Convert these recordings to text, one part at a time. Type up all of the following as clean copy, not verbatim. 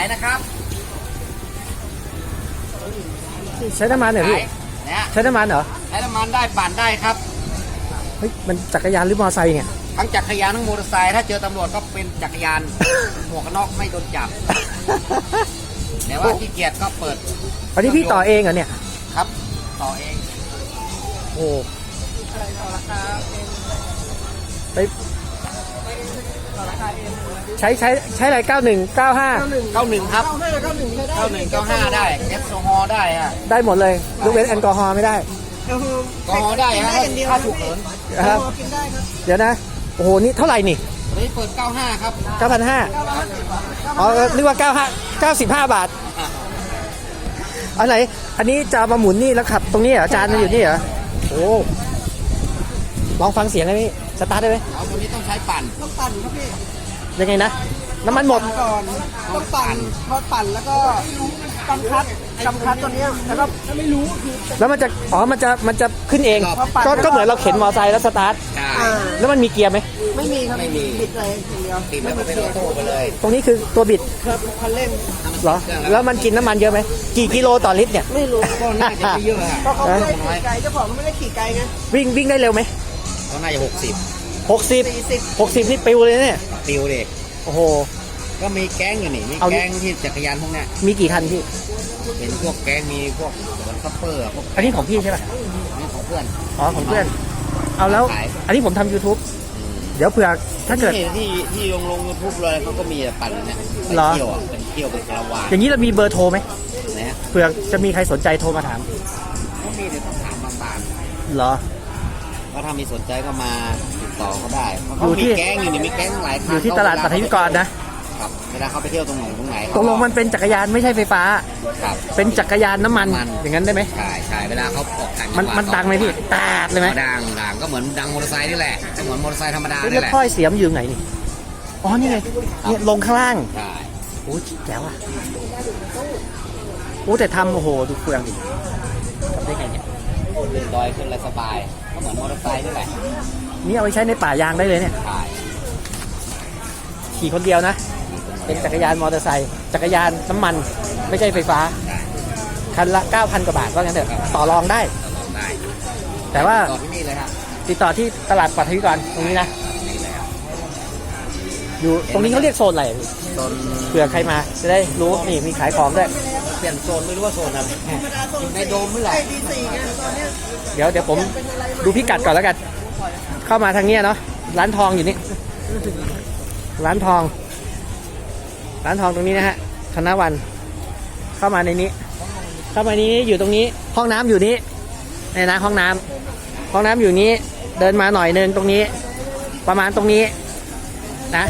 ายนะครับใช้น้ำมันเหรอพี่เนี่ยใช้น้ำมันเหรอใช้น้ำมันได้ปั่นได้ครับเฮ้ยมันจักรยานหรือมอเตอร์ไซค์เนี่ยทั้งจักรยานทั้งมอเตอร์ไซค์ถ้าเจอตำรวจก็เป็นจักรยาน หมวกกันน็อกไม่โดนจับแต่ว่าขี้เกียจก็เปิดอันนี้พี่ต่อเองเหรอเนี่ยครับต่อเองโอ้ไปใช้อะไร91 95 91ครับ91 95ได้แอลกอฮอล์ได้ฮะได้หมดเลยยกเว้นแอลกอฮอล์ไม่ได้แอลกอฮอล์ได้ฮะถ้าถูกเหินครับเดี๋ยวนะโอ้โหนี่เท่าไหร่นี่นี่เปิด95ครับ 9,500อ๋อนึกว่า95 บาทอะไรอันนี้จะมาหมุนนี่แล้วขับตรงนี้เหรอจานมันอยู่นี่เหรอโอ้ลองฟังเสียงได้ไหมสตาร์ทได้ไหมเอาตัวนี้ต้องใช้ปั่นครับพี่ยังไงนะน้ำมันหมดก่อนต้องปั่นพอปั่นแล้วก็กำคัดตัวนี้แล้วก็ไม่รู้แล้วมันจะขึ้นเองก็เหมือนเราเข็นมอเตอร์ไซค์แล้วสตาร์ทแล้วมันมีเกียร์ไหมไม่มีครับไม่มีบิดเลยทีเดียวติดแล้วก็เป็นออโต้ไปเลยตรงนี้คือตัวบิดครับคันเร่งเหรอแล้วมันกินน้ำมันเยอะไหมกี่กิโลต่อลิตรเนี่ยไม่รู้ก็น่าจะไม่เยอะเพราะเขาไม่ได้ขี่ไกลเจ้าของไม่ได้ขี่ไกลไงวิ่งได้เร็วไหมก็น่าจะ 60นี่ปิวเลยเนี่ยปิวเด็กโอ้โหก็มีแก๊งอยู่นี่มีแก๊งที่จักรยานพวกนี้มีกี่คันพี่เป็นพวกแก๊งมีพวกสวนซัพเปอร์พวกอันนี้ของพี่ใช่ไหมนี่ของเพื่อนอ๋อของเพื่อนเอาแล้วอันนี้ผมทำ YouTube เดี๋ยวเผื่อถ้าเกิดที่ลง YouTube เลยเขาก็มีปั่นเนี่ยไปเที่ยวเป็นเที่ยวเป็นคาราวานอย่างนี้เรามีเบอร์โทรไหมนะเผื่อจะมีใครสนใจโทรมาถามก็มีเดี๋ยวต้องถามบางเหรอก็ถ้ามีสนใจก็มาติดต่อเขาได้เขามีแก๊งอยู่นี่มีแก๊งหลายอยู่ที่ตลาดปัทยุกรนะครับเวลาเขาไปเที่ยวตรงไหนตกลงมันเป็นจักรยานไม่ใช่ไฟฟ้าครับเป็นจักรยานน้ำมันอย่างนั้นได้ไหมใช่เวลาเขาออกต่างจังหวัดมันดังไหมพี่แตกเลยไหมดังก็เหมือนดังมอเตอร์ไซค์นี่แหละเหมือนมอเตอร์ไซค์ธรรมดานี่แหละแล้วถ้อยเสียมอยู่ไหนนี่อ๋อนี่ไงเนี่ยลงข้างล่างใช่โอ้แจ๋วอ่ะโอ้แต่ทำโอ้โหดูเฟืองดิทำได้ไงเนี่ยขึ้นดอยขึ้นอะไรสบายก็เหมือนมอเตอร์ไซค์นี่แหละนี่เอาไปใช้ในป่ายางได้เลยเนี่ยขี่คนเดียวนะเป็นจักรยานมอเตอร์ไซค์จักรยานน้ำมันไม่ใช่ไฟฟ้าคันละ 9,000 กว่าบาทว่างั้นเถอะต่อรองได้แต่ว่าติดต่อที่ตลาดปัทยุกรตรงนี้นะอยู่ตรงนี้เขาเรียกโซนอะไรโซนเผื่อใครมาจะได้รู้นี่มีขายของด้วยเปลี่ยนโซนไม่รู้ว่าโซนอะไรในโดมไม่หรอเดี๋ยวผมดูพิกัดก่อนแล้วกันเข้ามาทางนี้เนาะร้านทองอยู่นี่ร้านทองตรงนี้นะฮะธนวันเข้ามาในนี้อยู่ตรงนี้ห้องน้ำอยู่นี้นี่นะห้องน้ำอยู่นี้เดินมาหน่อยนึงตรงนี้ประมาณตรงนี้นะ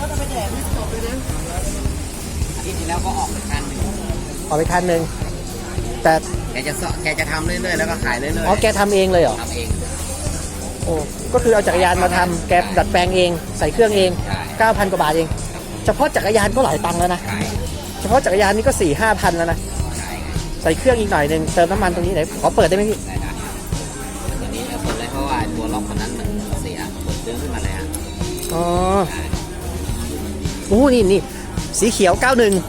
ที่จริงแล้วก็ออกไปคันนึงแต่แกจะทำเรื่อยๆแล้วก็ขายเรื่อยๆอ๋อแกทำเองเลยเหรอทำเองโอ้ก็คือเอาจักรยานมาทำแกดัดแปลงเองใส่เครื่องเอง 9,000 กว่าบาทเองเฉพาะจักรยานก็หลายตังค์แล้วนะเฉพาะจักรยานนี่ก็ 4-5,000 แล้วนะใส่เครื่องอีกหน่อยนึงเติมน้ำมันตรงนี้ไหนขอเปิดได้ไหมพี่ตัวนี้เปิดได้เพราะว่าตัวล็อกคนนั้นมันเสียเปิดเรื่องขึ้นมาเลยฮะอ๋อโอ้นี่สีเขียว91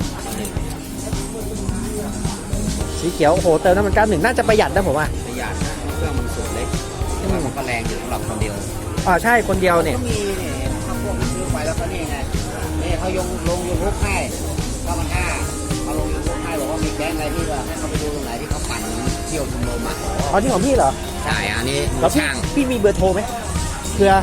สีเขียวโอ้โหเติมน้ำมัน91น่าจะประหยัดนะผมว่าประหยัดนะเครื่องมันสูงเล็กแต่ว่ามันก็แรงอยู่สำหรับคนเดียวใช่คนเดียวเนี่ยก็มีเนี่ยทำพวกซื้อไปแล้วก็นี่ไงนี่เขาลงยูทูบให้9,500เขาลงยูทูบให้บอกว่ามีแก๊งอะไรที่ว่าให้เขาไปดูตรงไหนที่เขาปั่นเที่ยวชุมนุมอ๋อนี่ของพี่เหรอใช่อันนี้แล้วพี่มีเบอร์โทรไหมเผื่อ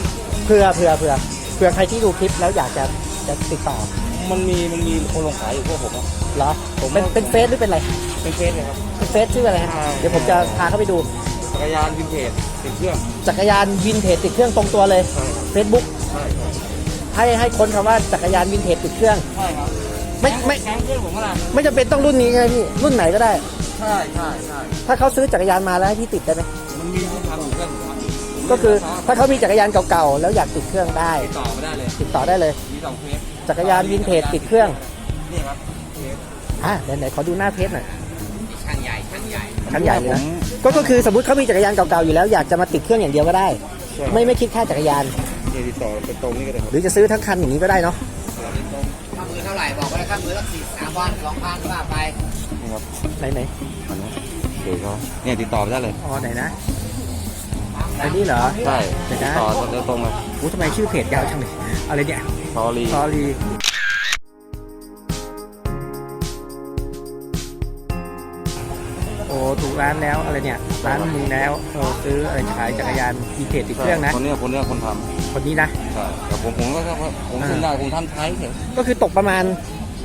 ใครที่ดูคลิปแล้วอยากจะติดต่อมันมีคนลงขายอยู่พวกผมเหรอเป็นเฟซหรือเป็นอะไรเป็นเฟซเลยครับเป็นเฟซชื่ออะไรครับเดี๋ยวผมจะพาเข้าไปดูจักรยานวินเทจติดเครื่องจักรยานวินเทจติดเครื่องตรงตัวเลย Facebook ให้ค้นคำว่าจักรยานวินเทจติดเครื่องใช่ครับไม่จำเป็นต้องรุ่นนี้ไงพี่รุ่นไหนก็ได้ใช่ถ้าเขาซื้อจักรยานมาแล้วให้พี่ติดได้ไหมมันมีที่ทำเครื่องก็คือถ้าเขามีจักรยานเก่าๆแล้วอยากติดเครื่องได้ติดต่อได้เลยมี2 เฟซจักรยานวินเทจติดเครื่องนี่ครับไหนขอดูหน้าเพจหน่อยช่างใหญ่นะก็คือสมมติเขามีจักรยานเก่าๆอยู่แล้วอยากจะมาติดเครื่องอย่างเดียวก็ได้ไม่คิดค่าจักรยานติดต่อเป็นตรงนี้ก็ได้หรือจะซื้อทั้งคันอย่างนี้ก็ได้เนาะถ้าาไหร่บอกไว้ครับมือละ3 วัน 2,000ว่าไปไหนเดี๋ยวเขาเนี่ยติดต่อไปได้เลยอ๋อไหนนะอันนี้เหรอใช่เดี๋ติยวดนะต่อโดยตรงเลยโอ้ทำไมชื่อเพจยาวจังเลยอะไรเนี่ยซอรี่ซอรีโอ้ถูกร้านแล้วอะไรเนี่ยร้านมึงแล้วซื้ออะไรขายจักรยานมีเพจติดเครื่องนะคนเนี้ยคนทคนนี้นะำใช่แต่ผมก็แค่ว่าผมขึ้นได้ผมทำใช้เฉยก็คือตกประมาณ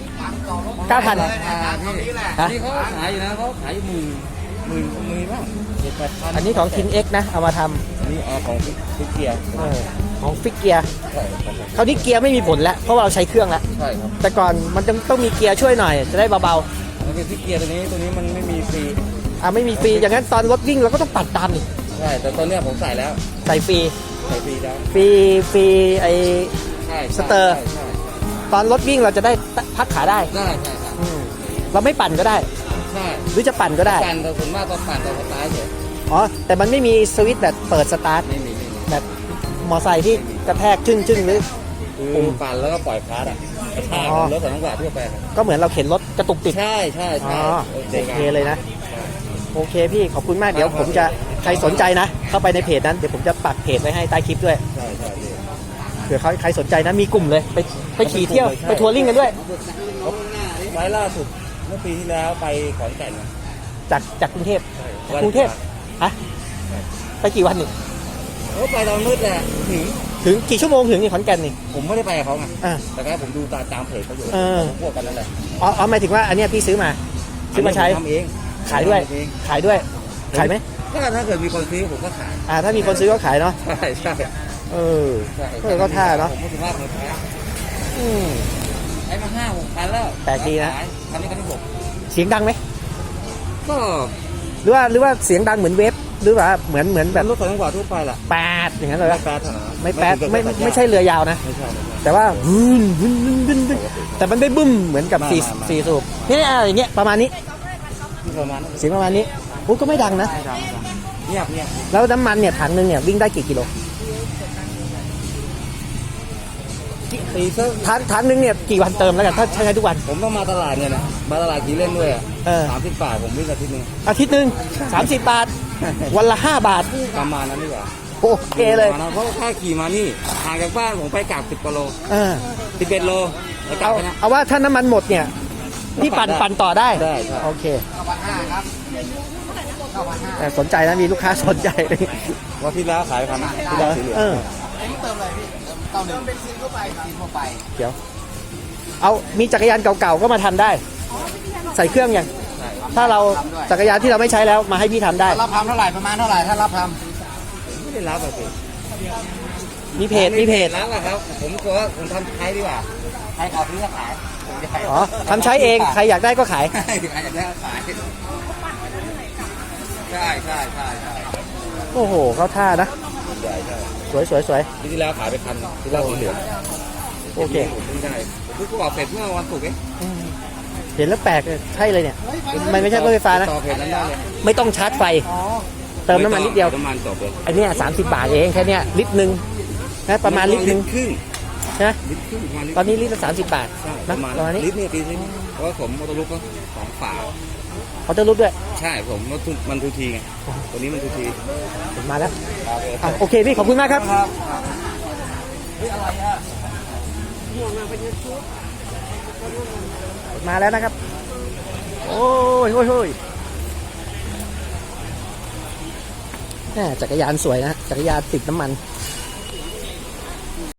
9,000 เลยนะครับตรงนี้แหละฮะนี่เขาขายอยู่นะเขาขายอยู่หมื่นบ้าง7-8,000 อันนี้ของทินเอ็กนะเอามาทอันนี้ของฟิกเกียร์ำของฟิกเกียร์ใช่ครับคราวนี้เกียร์ไม่มีผลแล้วเพราะว่าเราใช้เครื่องแล้วใช่ครับแต่ก่อนมันต้องมีเกียร์ช่วยหน่อยจะได้เบาแล้วก็ฟิกเกียร์ตัวนี้มันไม่มีฟรีๆไม่มีฟรีอย่างนั้นตอนรถวิ่งเราก็ต้องปัดตามนี่ใช่แต่ตอนเนี้ยผมใส่แล้วใส่ฟรีใส่ฟรีแล้วฟรีไอใช่สเตอร์ใช่ตอนรถวิ่งเราจะได้พักขาได้ใช่ใช่ครับเราไม่ปั่นก็ได้ใช่หรือจะปั่นก็ได้ปั่นแต่ส่วนมากตอนปั่นตอนสตาร์ทเฉยอ๋อแต่มันไม่มีสวิตช์แบบเปิดสตาร์ทไม่มีแบบมอไซค์ที่กระแทกชึ่งหรือคือปั่นแล้วก็ปล่อยคลาสอ่ะกระชากอ๋อรถสองจังหวะทั่วไปครับก็เหมือนเราเข็นรถกระตุกติดใช่ใช่อ๋ใช่อโอเคเลยนะโอเคพี่ขอบคุณมากเดี๋ยวผมจะใครสนใจนะ เข้าไปในเพจนั้นเดี๋ยวผมจะปักเพจไว้ให้ใต้คลิปด้วยใช่ใช่เผื่อใครสนใจนะมีกลุ่มเลยไปขี่เที่ยวไปทัวริ่งกันด้วยไฟล์ล่าสุดเมื่อปีที่แล้วไปขอนแก่นจากกรุงเทพวันกรุงเทพฮะไปกี่วันนี่โอ้ไปตอนมืดแหละถึงถึงกี่ชั่วโมงถึงนี่ขอนแก่นนี่ผมไม่ได้ไปกับเขาไงอ่าแต่ก็ผมดูตามเพจเขาอยู่เออพวกกันนั่นแหละอ๋อหมายถึงว่าอันเนี้ยพี่ซื้อมาใช้ทำเองขายด้วยทำเองขายด้วยขายไหมถ้าเกิดมีคนซื้อผมก็ขายถ้ามีคนซื้อก็ขายเนาะใช่ใช่เออใช่ก็ท่าเนาะผมก็ถือว่าผมขายอืมใช้มา5-6 พันแล้วแปลกดีนะขายคันนี้คันที่6 เสียงดังไหมก็หรือว่าเสียงดังเหมือนเวฟหรือว่าเหมือนแบแบบ บรถสองจังหวะทั่วไปแหละแปดอย่างนั้นเลยไม่ปะแป๊ดเท่านั้นไม่แปดถึงกับไม่ใช่เรือยาวนะไม่ใช่แต่ว่าบึ้นแต่มันไม่บึ้มเหมือนกับไม่สี่สูบนี่อย่างเงี้ยประมาณนี้ประมาณนั้นเสียงประมาณนี้โอ้ก็ไม่ดังนะเงียบแล้วน้ำมันเนี่ยถังนึงเนี่ยวิ่งได้กี่กิโลตีซะถังนึงเนี่ยกี่วันเติมแล้วกันถ้าใช้ทุกวันผมต้องมาตลาดเนี่ยนะมาตลาดขี่เล่นด้วยอ่ะเออ 30 บาทผมวิ่งอาทิตย์นึงอาทิตย์หนึ่ง30 บาท วันละ5 บาทประมาณนั้นดีกว่าโอเคเลยเพราะแค่ขี่มานี่ห่างจากบ้านผมไปกลับ10 กว่าโลเออ 11 โลแล้วกลับไปนะเอาว่าถ้าน้ำมันหมดเนี่ยพี่ปั่นต่อได้ได้ใช่โอเค 9,500ครับแต่สนใจนะมีลูกค้าสนใจเลยว่าที่แล้วขายพันที่แล้วสีเหลืองเอออันนี้เติมเลยพี่เติมเป็นซินทั่วไปซินทั่วไปเดี๋ยวเอามีจักรยานเก่าๆก็มาทำได้ ใส่เครื่องยังถ้าเราจักรยานที่เราไม่ใช้แล้วมาให้พี่ทำได้รับทำเท่าไหร่ประมาณเท่าไหร่ถ้ารับทไม่ได้รับอะสิมีเพจรับอะครับ ผมกลัวว่าผมทำใช้ดีกว่าใครขอซื้อก็ขายผมจะขายอ๋อทำใช้เองใครอยากได้ก็ขายใช่ใครอยากได้ก็ขายใช่ใช่ใช่ใช่โอ้โหเข้าท่านะใช่ใช่สวยที่แล้วขายไปคันที่แล้วสีเหลืองโอเคผมเพิ่งได้ผมเพิ่งประกอบเสร็จเมื่อวันศุกร์เองเห็นแล้วแปลกเลยใช่เลยเนี่ยมันไม่ใช่รถไฟฟ้านะต่อเพจนั้นได้เลยไม่ต้องชาร์จไฟ เติมน้ำมันนิดเดียวน้ำมันจบเลยอันเนี้ย30 บาทเองแค่เนี้ยลิตรหนึ่งนะประมาณลิตรหนึ่งครึ่งนะลิตรครึ่งประมาณลิตรตอนนี้ลิตรละ30 บาทใช่ปนะระมาณประมาณนี้ลิตรเนี่ยตีซิเพราะว่าผมมอเตอร์ลุกก็2 ฝาเขาจะรูปด้วยใช่ผมมันทูทีไงตัวนี้มันทูทีผมมาแล้วโอเคพี่ขอบคุณมากครับ มาแล้วนะครับ โอ้ยแหม่จักรยานสวยนะ จักรยานติดน้ำมัน